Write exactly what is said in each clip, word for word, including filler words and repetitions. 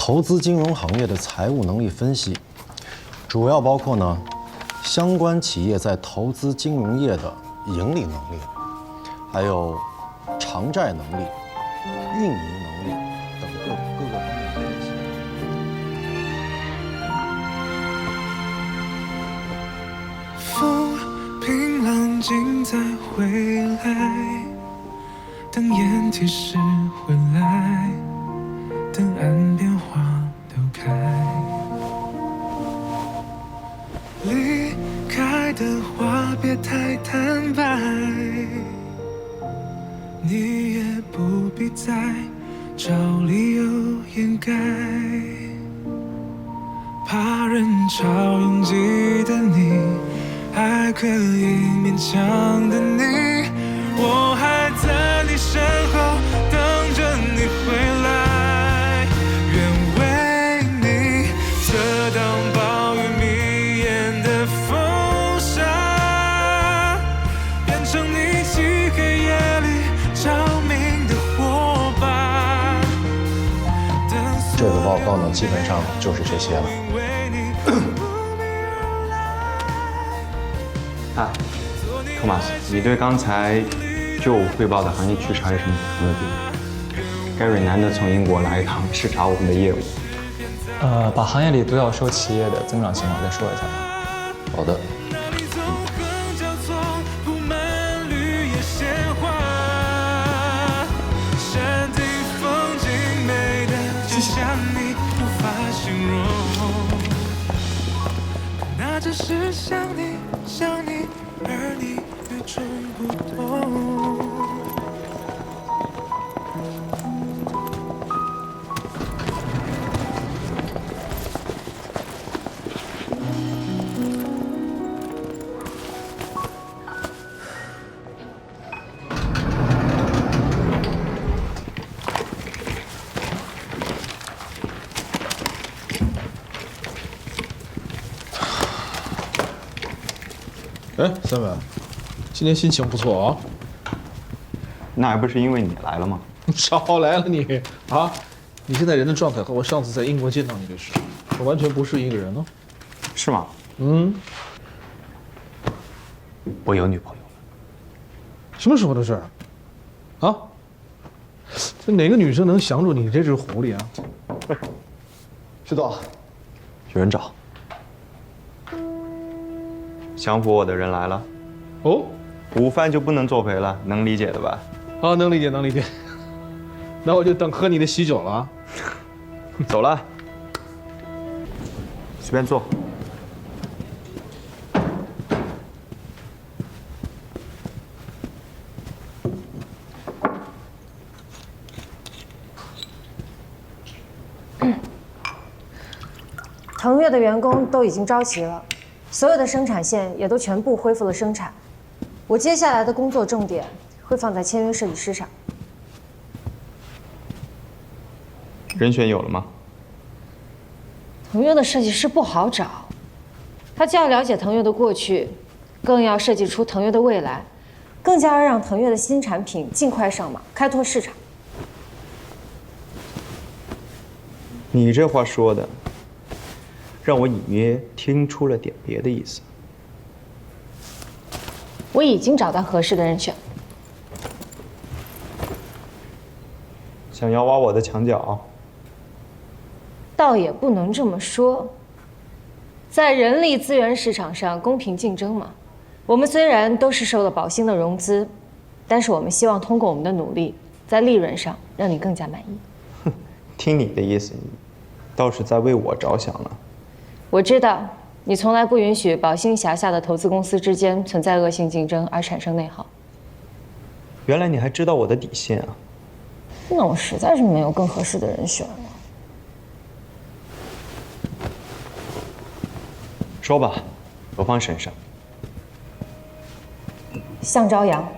投资金融行业的财务能力分析，主要包括呢相关企业在投资金融业的盈利能力，还有偿债能力、运营能力等各各个方面的分析。 风平浪静再回来，等烟提示回来，等岸边花都开。离开的话别太坦白，你也不必再找理由掩盖。怕人潮拥挤的你，还可以勉强的你，我还在你身后等着你回来，愿为你遮挡暴雨迷眼的风沙，变成你漆黑夜里照明的火把。 这个报告呢，基本上就是这些了。 啊，托马斯，你对刚才就我汇报的行业趋势还有什么补充的地方 ？Gary 难得从英国来一趟，视察我们的业务。 呃，把行业里独角兽企业的增长情况再说一下吧。 好的。 那只是想你想你，而你与众不同。 哎，三文，今天心情不错啊。 那还不是因为你来了吗？ 少来了你啊！你现在人的状态和我上次在英国见到你的时候，完全不是一个人哦。 是吗？ 嗯。 我有女朋友了。 什么时候的事儿？啊？这哪个女生能降住你这只狐狸啊？ 知道，有人找。 降服我的人来了。 哦， 午饭就不能作陪了，能理解的吧？ 啊，能理解，能理解。那我就等喝你的喜酒了啊。 走了，随便坐。 腾越的员工都已经招齐了，所有的生产线也都全部恢复了生产。我接下来的工作重点会放在签约设计师上。 人选有了吗？ 腾越的设计师不好找，他既要了解腾越的过去，更要设计出腾越的未来，更加要让腾越的新产品尽快上马，开拓市场。 你这话说的，让我隐约听出了点别的意思。 我已经找到合适的人选， 想要挖我的墙角？ 倒也不能这么说。在人力资源市场上公平竞争嘛，我们虽然都是受了宝兴的融资，但是我们希望通过我们的努力，在利润上让你更加满意。 哼，听你的意思，你倒是在为我着想了。 我知道你从来不允许宝兴辖下的投资公司之间存在恶性竞争而产生内耗。 原来你还知道我的底线啊！ 那我实在是没有更合适的人选了。 说吧，我帮审审。 向朝阳。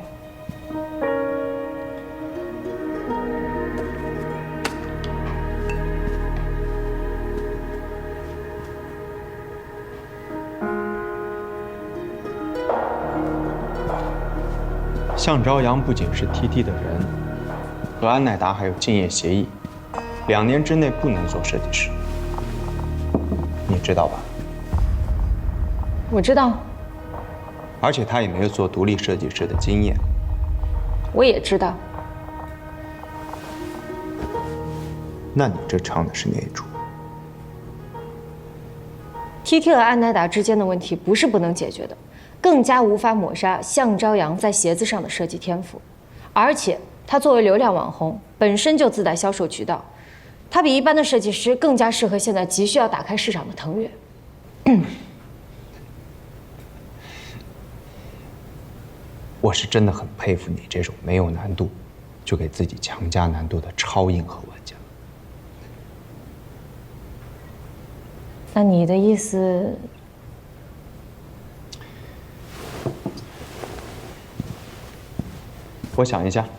向朝阳不仅是 T T 的人，和安乃达还有竞业协议， 两年之内不能做设计师，你知道吧？ 我知道， 而且他也没有做独立设计师的经验。 我也知道。 那你这唱的是哪一出？ T T 和安乃达之间的问题不是不能解决的，更加无法抹杀向朝阳在鞋子上的设计天赋。而且他作为流量网红，本身就自带销售渠道，他比一般的设计师更加适合现在急需要打开市场的腾越。 我是真的很佩服你这种没有难度，就给自己强加难度的超硬核玩家。 那你的意思？ 我想一下。